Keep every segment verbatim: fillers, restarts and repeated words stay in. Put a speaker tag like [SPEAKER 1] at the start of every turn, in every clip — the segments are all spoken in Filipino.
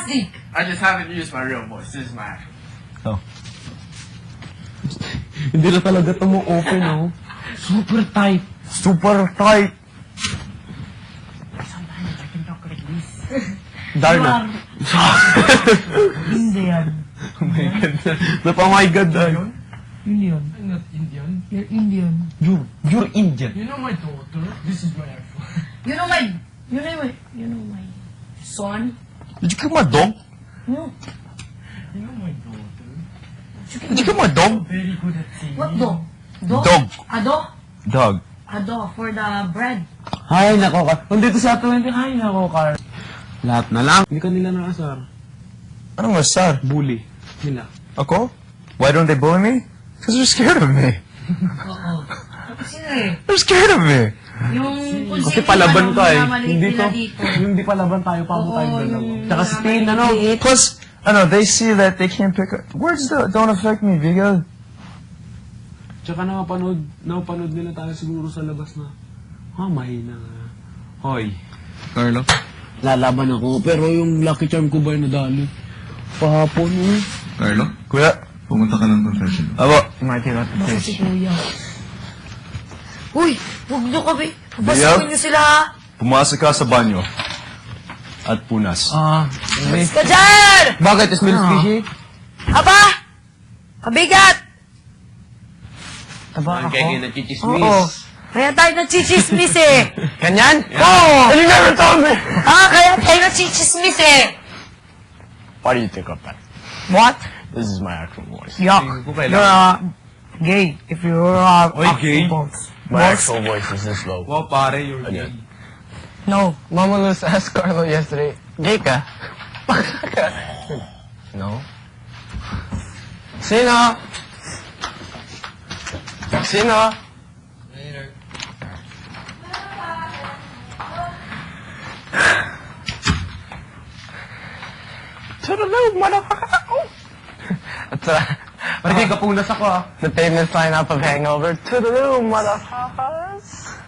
[SPEAKER 1] plastic!
[SPEAKER 2] I just haven't used my real voice. This is my actual.
[SPEAKER 3] Oh.
[SPEAKER 4] Hindi na talaga ito mo open, oh.
[SPEAKER 1] Super tight.
[SPEAKER 3] Super tight.
[SPEAKER 1] Sometimes I can talk like this.
[SPEAKER 4] Darna.
[SPEAKER 1] Hindi yan.
[SPEAKER 4] Oh my God. Napa, oh my God, Darna.
[SPEAKER 1] Indian.
[SPEAKER 2] I'm not Indian.
[SPEAKER 1] You're Indian.
[SPEAKER 4] You're, you're Indian.
[SPEAKER 2] You know my daughter? This is my actual.
[SPEAKER 1] You know my... You know my... You know my... Son?
[SPEAKER 3] Did you kill my dog?
[SPEAKER 1] No.
[SPEAKER 2] You know my daughter?
[SPEAKER 3] Did you kill my dog?
[SPEAKER 2] Very good at singing.
[SPEAKER 1] What dog? Dog?
[SPEAKER 3] Dog.
[SPEAKER 1] Ado?
[SPEAKER 3] Dog.
[SPEAKER 1] Ado for the bread.
[SPEAKER 4] Hay, nako, Carl. Kung dito sa twenty, hay, nako, Carl. Lahat na lang. Hindi ka nila nakasar.
[SPEAKER 3] Anong masar?
[SPEAKER 4] Bully. Nila.
[SPEAKER 3] Ako? Why don't they bully me? Because they're scared of me.
[SPEAKER 1] Oo. Kasi eh.
[SPEAKER 3] They're scared of me.
[SPEAKER 1] Yung...
[SPEAKER 4] Kasi palaban ka eh. Hindi
[SPEAKER 1] Hindi
[SPEAKER 4] to. Yung di palaban tayo, pabo tayo dalawa. Tsaka si Tin, ano?
[SPEAKER 3] Plus, I know, they see that they can't pick up. Words don't, don't affect me, Vigo.
[SPEAKER 4] Tsaka nakapanood, nakapanood nila tayo siguro sa labas na, ah, mahina nga. Hoy.
[SPEAKER 3] Carlo?
[SPEAKER 4] Lalaban ako, pero yung Lucky Charm ko ba yung nadali? Pahapon eh.
[SPEAKER 5] Carlo,
[SPEAKER 3] Kuya?
[SPEAKER 5] pumunta ka ng confession.
[SPEAKER 3] Abo.
[SPEAKER 1] Basta si Kuya. Uy! Huwag niyo kami!
[SPEAKER 3] Biyaw?
[SPEAKER 1] Pabasukin niyo sila ha!
[SPEAKER 3] Pumasok ka sa banyo. At punas.
[SPEAKER 4] Ah,
[SPEAKER 1] Alis ka dyan!
[SPEAKER 4] bakit? Smells fishy?
[SPEAKER 1] Aba! Kabigat!
[SPEAKER 4] Taba ako. Kaya nachichismis.
[SPEAKER 1] Oo. Kaya tayo nachichismis eh!
[SPEAKER 4] Ganyan?
[SPEAKER 1] Oo!
[SPEAKER 4] You never told me!
[SPEAKER 1] Ah, kaya tayo nachichismis eh!
[SPEAKER 4] What do you think of that?
[SPEAKER 1] What?
[SPEAKER 4] This is my actual voice.
[SPEAKER 1] Yuck. You're uh, gay. If you're uh,
[SPEAKER 4] Oy, gay?
[SPEAKER 1] balls.
[SPEAKER 4] My actual voice is this low.
[SPEAKER 2] Wow, pare, you're gay.
[SPEAKER 4] Again.
[SPEAKER 1] No.
[SPEAKER 4] Mama Luz asked Carlo yesterday, gay ka? No. Sino? Sino?
[SPEAKER 2] Later.
[SPEAKER 4] Toodaloo, motherfucker! Oh. At uh,
[SPEAKER 2] Parang kapunas ako ah.
[SPEAKER 4] the famous lineup of Hangover, Toodaloo, motherfuckers!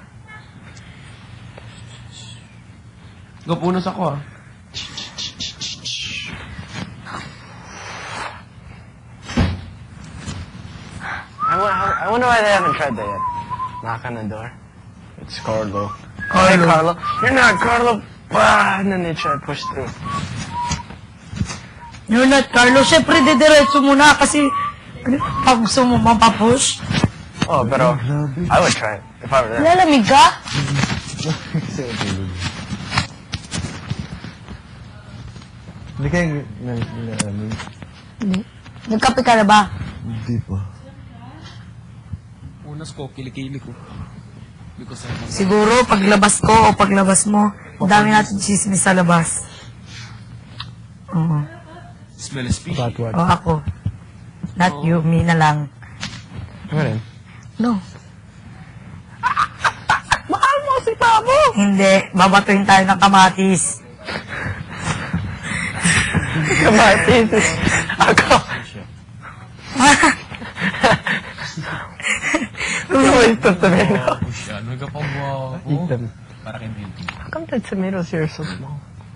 [SPEAKER 2] Kapunas ako ah.
[SPEAKER 4] I, wa- I wonder why they haven't tried that yet. Knock on the door. It's Carlo.
[SPEAKER 1] Carlo.
[SPEAKER 4] Hey, Carlo. You're not Carlo. Bah! And then they try to push through.
[SPEAKER 1] You're not Carlo. Siyempre, didiretso muna kasi ano, pag gusto mo mapapush.
[SPEAKER 4] Oh, pero I would try it if I were there.
[SPEAKER 1] Lalamig ka?
[SPEAKER 3] Hindi kayo nalamin.
[SPEAKER 1] Hindi. Nagkape ka na ba?
[SPEAKER 3] Hindi pa.
[SPEAKER 2] Punas ko, kilikili ko. Because I have...
[SPEAKER 1] Siguro, paglabas ko o paglabas mo, ang dami natin chismis sa labas. Oo.
[SPEAKER 2] Smell is fishy.
[SPEAKER 4] what?
[SPEAKER 1] O ako. Not you, me na lang.
[SPEAKER 4] Ano rin?
[SPEAKER 1] No.
[SPEAKER 4] Mahal mo si Pabo!
[SPEAKER 1] Hindi. Babatuhin tayo ng kamatis.
[SPEAKER 4] Kamatis. Ako. Ano ba yung tomato?
[SPEAKER 2] Ano ka pa mo?
[SPEAKER 4] Eat them.
[SPEAKER 2] Para kay beauty.
[SPEAKER 4] How come the tomatoes here are so small?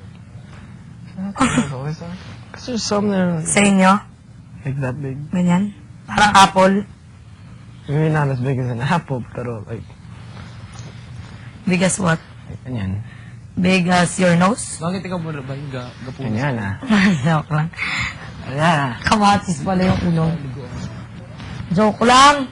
[SPEAKER 4] Because there's some there
[SPEAKER 1] Sa inyo?
[SPEAKER 4] like that big.
[SPEAKER 1] Ganyan? Parang apple.
[SPEAKER 4] Maybe not as big as an apple, pero like,
[SPEAKER 1] Big as what?
[SPEAKER 4] ganyan.
[SPEAKER 1] Big as your nose?
[SPEAKER 2] Bakit ikaw mo ba yung ga gapunas?
[SPEAKER 4] Ganyan ah.
[SPEAKER 1] Joke lang.
[SPEAKER 4] Ayan.
[SPEAKER 1] Kamatis pala yung ilong. Joke lang.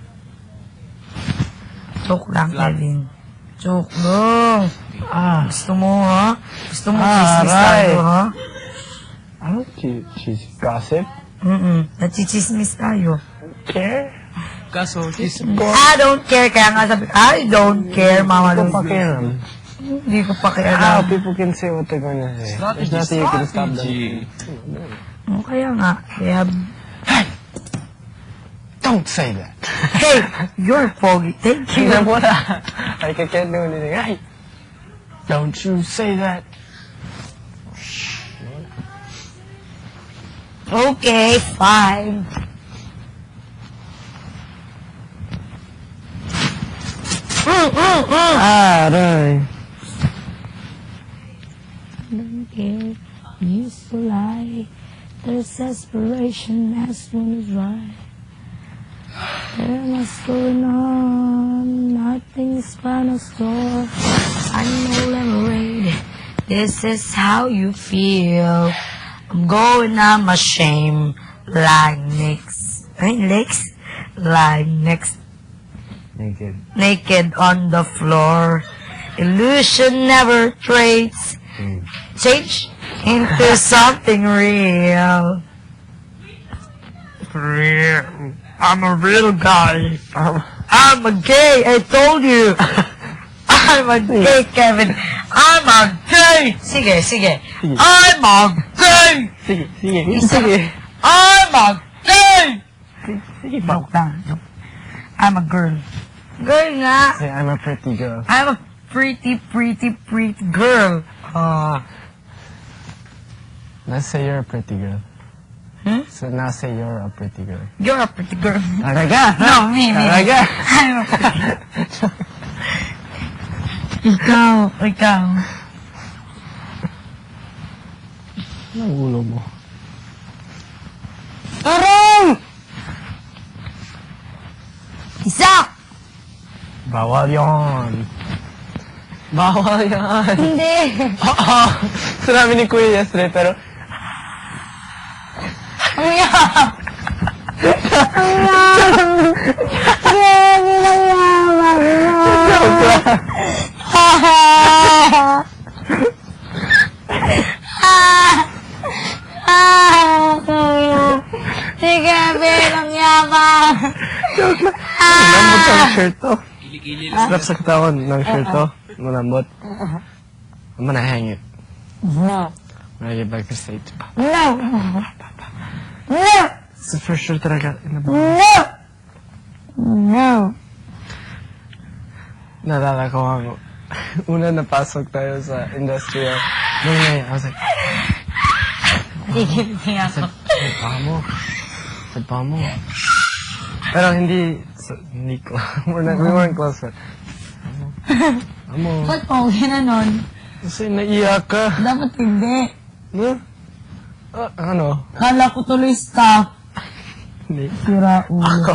[SPEAKER 1] Joke lang, Kevin. Joke lang.
[SPEAKER 4] Ah.
[SPEAKER 1] Gusto mo, ha? Gusto mo
[SPEAKER 4] Ah,
[SPEAKER 1] chismis
[SPEAKER 4] right.
[SPEAKER 1] tayo, ha?
[SPEAKER 4] I don't che- cheese gossip.
[SPEAKER 1] Mm-mm. Nachichismis tayo.
[SPEAKER 4] Care?
[SPEAKER 2] Kaso, kiss
[SPEAKER 1] I don't care. Kaya nga sabi, I don't care, Mama
[SPEAKER 4] Don't
[SPEAKER 1] Luz.
[SPEAKER 4] pakialam.
[SPEAKER 1] Hindi ko pa
[SPEAKER 4] How
[SPEAKER 1] kaya
[SPEAKER 4] people can say what they're going to say. There's nothing you can stop them.
[SPEAKER 1] Oh, kaya nga. Kaya,
[SPEAKER 4] Don't say that.
[SPEAKER 1] hey, you're foggy. Thank you.
[SPEAKER 4] Tingnan mo na. Like, I can't do anything. Hey, don't you say that.
[SPEAKER 1] Okay, fine. Mm, mm, mm.
[SPEAKER 4] Aray.
[SPEAKER 1] Okay. used to lie. There's desperation as one is right. There must going on, nothing's final store. I know lemonade, this is how you feel. I'm going on my shame, like next, right, next, like next,
[SPEAKER 3] Naked.
[SPEAKER 1] naked on the floor. Illusion never trades, change into something real. Real. I'm a real guy. I'm a gay, I told you. I'm a gay, Kevin. I'm a gay. Sige, sige. I'm a gay.
[SPEAKER 3] Sige, sige, sige.
[SPEAKER 1] I'm a gay. Sige, joke lang. joke. I'm a girl. Girl nga.
[SPEAKER 3] Say, I'm a pretty girl.
[SPEAKER 1] I'm a pretty, pretty, pretty girl. Ah.
[SPEAKER 3] Let's say you're a pretty girl.
[SPEAKER 1] Hmm?
[SPEAKER 3] So now say you're a pretty girl.
[SPEAKER 1] You're a pretty girl.
[SPEAKER 3] Talaga?
[SPEAKER 1] No, me, me.
[SPEAKER 3] Talaga?
[SPEAKER 1] I'm a pretty Ikaw, ikaw.
[SPEAKER 3] Anong ulo mo?
[SPEAKER 1] Tarong! Isa!
[SPEAKER 3] Bawal yon. Bawal yan.
[SPEAKER 1] Hindi.
[SPEAKER 3] Oo. Sinabi ni Kuya yesterday, pero
[SPEAKER 1] Ang yaman. Ang yaman. Grabe ang yaman mo. Ah, kuya. Si Kevin, ang yaman.
[SPEAKER 3] malambot ang shirt to.
[SPEAKER 2] Kili-kili
[SPEAKER 3] Strap sa katawan ng shirt to. Malambot. I'm gonna hang it.
[SPEAKER 1] No.
[SPEAKER 3] When I get back to state.
[SPEAKER 1] No. No.
[SPEAKER 3] So for sure talaga.
[SPEAKER 1] No. No.
[SPEAKER 3] Nalala ko ang una napasok tayo sa industrial. Nung ngayon, I was like,
[SPEAKER 1] Sige, sige ako.
[SPEAKER 3] Sa pa mo. Sa pa mo. Pero hindi, so, hindi ko. We're not, we weren't close, but. Amo. Amo.
[SPEAKER 1] Ba't mo ginanon?
[SPEAKER 3] Kasi naiyak ka.
[SPEAKER 1] Dapat hindi.
[SPEAKER 3] No? Ah, ano?
[SPEAKER 1] Kala ko tuloy staff.
[SPEAKER 3] Hindi.
[SPEAKER 1] Sira ulo.
[SPEAKER 3] Ako.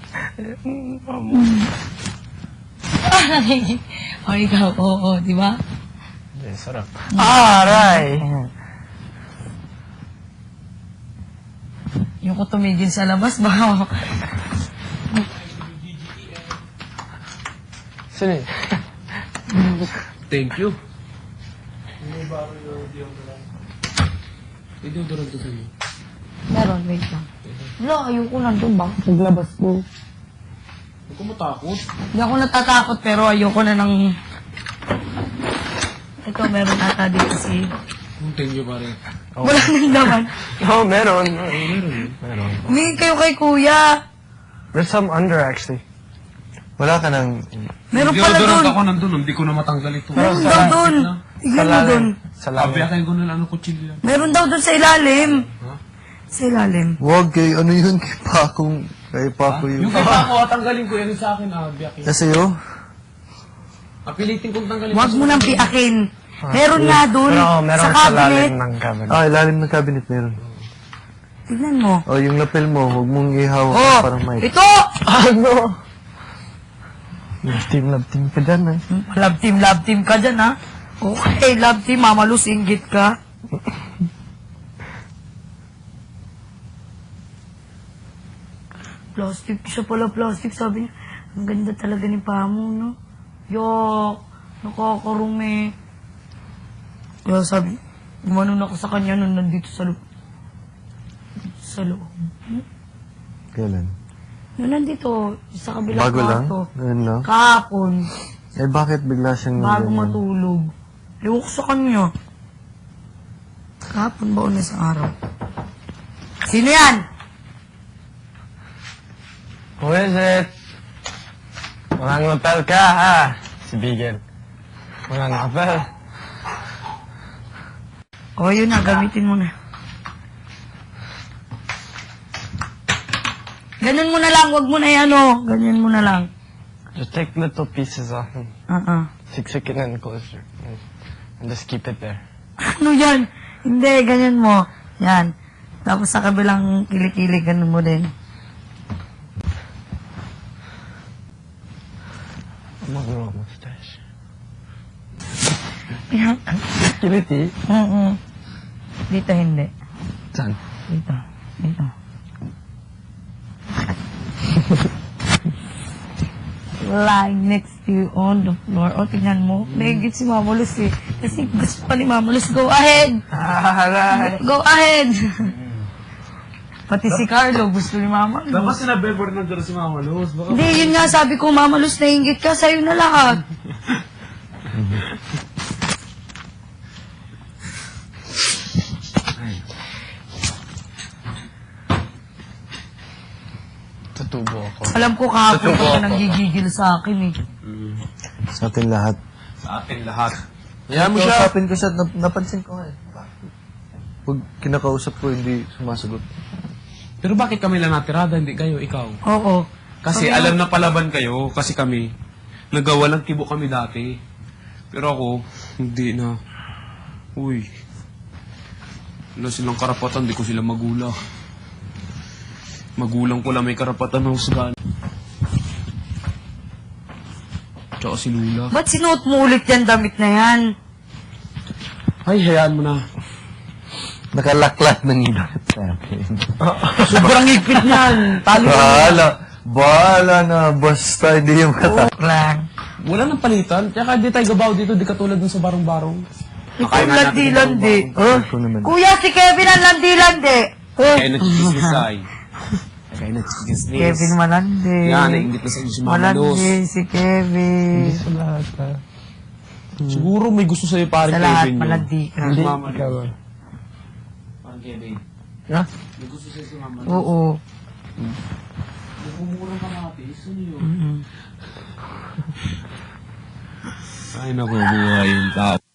[SPEAKER 1] Ah, narinig. O ikaw, oo, di ba?
[SPEAKER 3] Hindi, sarap. Aray!
[SPEAKER 1] Yung ko tumigil sa labas, baka
[SPEAKER 3] Sino yun?
[SPEAKER 2] Thank you.
[SPEAKER 4] Hindi ko doon to sa'yo.
[SPEAKER 1] meron, wait lang. Wala, ayoko nandun ba? Naglabas ko.
[SPEAKER 4] Huwag ko matakot.
[SPEAKER 1] Hindi ako natatakot, pero ayoko na ng... Ito, meron ata dito si...
[SPEAKER 4] Thank you, pare.
[SPEAKER 1] Wala nang laman.
[SPEAKER 3] Oo, meron.
[SPEAKER 4] Meron.
[SPEAKER 3] Meron.
[SPEAKER 1] Humingi kayo kay kuya.
[SPEAKER 3] There's some under, actually. Wala ka ng...
[SPEAKER 1] Meron pala
[SPEAKER 4] Deodorant
[SPEAKER 1] dun.
[SPEAKER 4] ako nandun, hindi ko na matanggal ito.
[SPEAKER 1] Meron daw dun. Tignan mo dun.
[SPEAKER 3] Sa lalim.
[SPEAKER 4] Abiyakin ko na lang ang kutsilyo yan.
[SPEAKER 1] Meron daw dun sa ilalim. Sa ilalim.
[SPEAKER 5] Huwag kay ano yun, kay Pakong, kay Pako
[SPEAKER 4] Yung
[SPEAKER 5] yun.
[SPEAKER 4] kita ko, tanggalin ko yan yung sa akin, abiyakin.
[SPEAKER 5] Kasi yun,
[SPEAKER 4] Apilitin kong tanggalin.
[SPEAKER 1] Huwag mo nang piakin. Meron nga dun.
[SPEAKER 3] Pero meron
[SPEAKER 1] Sa
[SPEAKER 3] sa lalim
[SPEAKER 1] cabinet.
[SPEAKER 3] ng cabinet.
[SPEAKER 5] ah, ilalim ng cabinet meron.
[SPEAKER 1] Tignan mo.
[SPEAKER 5] O, yung lapel mo, huwag mong ihawak
[SPEAKER 1] Oh,
[SPEAKER 5] parang mic.
[SPEAKER 1] ito!
[SPEAKER 3] Ano? Love team, love team ka dyan, eh.
[SPEAKER 1] Love team, love team ka dyan, ha? Okay, love team, mamalus, inggit ka. Plastic, siya pala plastic, sabi niya. Ang ganda talaga ni Pamo, no? Yok, nakakarumi. Kaya sabi, gumanon ako sa kanya nung nandito sa loob. Sa loob.
[SPEAKER 5] Kailan?
[SPEAKER 1] Nung nandito, sa kabilang
[SPEAKER 5] Bago lang?
[SPEAKER 1] kwarto.
[SPEAKER 5] Ganun lang?
[SPEAKER 1] Kahapon.
[SPEAKER 5] Eh, bakit bigla siyang...
[SPEAKER 1] Bago
[SPEAKER 5] ganyan?
[SPEAKER 1] matulog. Ewan ko sa kanya. Kahapon ba o na sa araw? Sino yan?
[SPEAKER 3] Who is it? Walang lapel ka, ha? Si Bigel. Walang lapel.
[SPEAKER 1] O, yun na. Gamitin mo na. Ganun mo na lang. Huwag mo na yan, o. Ganyan mo na lang.
[SPEAKER 3] Just take little pieces off and
[SPEAKER 1] Ah, ah.
[SPEAKER 3] siksik it and close it. And just keep it there.
[SPEAKER 1] Ano yan? Hindi, ganyan mo. Yan. Tapos sa kabilang kilikili, ganun mo din.
[SPEAKER 3] Mag-grow mustache.
[SPEAKER 1] Yan.
[SPEAKER 3] Kiliti?
[SPEAKER 1] Mm-mm. Dito hindi.
[SPEAKER 3] Saan?
[SPEAKER 1] Dito. Dito. Lying next to you on the floor. O, tingnan mo. Naigit si Mama Luz eh. Kasi gusto pa ni Mama Luz. Go ahead!
[SPEAKER 3] Aray!
[SPEAKER 1] Go ahead! Pati si Carlo, gusto ni Mama Luz.
[SPEAKER 4] Dapat sinabi mo rin nandiyan si Mama Luz. Baka
[SPEAKER 1] Hindi, yun nga sabi ko, Mama Luz, nainggit ka. Sa'yo na lahat.
[SPEAKER 2] Tutubo ako.
[SPEAKER 1] Alam ko kahapon ka pa nanggigigil sa akin eh.
[SPEAKER 5] Sa atin lahat.
[SPEAKER 2] Sa atin lahat. Yan mo siya.
[SPEAKER 5] Kausapin ko siya, nap- napansin ko nga eh. Pag kinakausap ko, hindi sumasagot.
[SPEAKER 4] Pero bakit kami lang natirada, hindi kayo, ikaw?
[SPEAKER 1] Oo.
[SPEAKER 4] Kasi alam na palaban kayo, kasi kami, nagawalang kibo kami dati. Pero ako, hindi na. Uy. Wala silang karapatan, di ko sila magulang. Magulang ko lang may karapatan ng husgan. Tsaka si Lula.
[SPEAKER 1] Ba't sinuot mo ulit yan damit na yan?
[SPEAKER 4] Ay, hayaan mo na.
[SPEAKER 5] Nakalaklat ng ingat sa akin.
[SPEAKER 4] Sobrang higpit niyan. Talo na.
[SPEAKER 5] Bahala. Bahala na. Basta hindi yung kata.
[SPEAKER 1] Joke lang.
[SPEAKER 4] Wala nang palitan. Kaya di tayo gabaw dito, di katulad dun sa barong-barong.
[SPEAKER 1] Ikaw landi-landi.
[SPEAKER 5] Oh? Ako naman.
[SPEAKER 1] Kuya, si Kevin ang landi-landi. Oh.
[SPEAKER 4] Kaya nagkikismis tayo. Kaya nagkikismis.
[SPEAKER 1] Kevin malandi.
[SPEAKER 4] Yan, naingit na sa inyo si Mama Luz.
[SPEAKER 1] Malandi si Kevin.
[SPEAKER 3] Sa lahat ha.
[SPEAKER 4] Siguro may gusto sa'yo parang
[SPEAKER 1] Sa lahat,
[SPEAKER 4] Kevin. yun.
[SPEAKER 1] malandi ka.
[SPEAKER 4] Si Mama
[SPEAKER 3] Ikaw
[SPEAKER 4] Luz.
[SPEAKER 3] ah.
[SPEAKER 4] Parang Kevin.
[SPEAKER 3] Ha?
[SPEAKER 4] May gusto sa'yo si Mama Luz.
[SPEAKER 1] Oo.
[SPEAKER 4] Nagmumurang ka matis. Ano yun?
[SPEAKER 1] Mm-mm.
[SPEAKER 4] Ay, naku, buhay yung tao.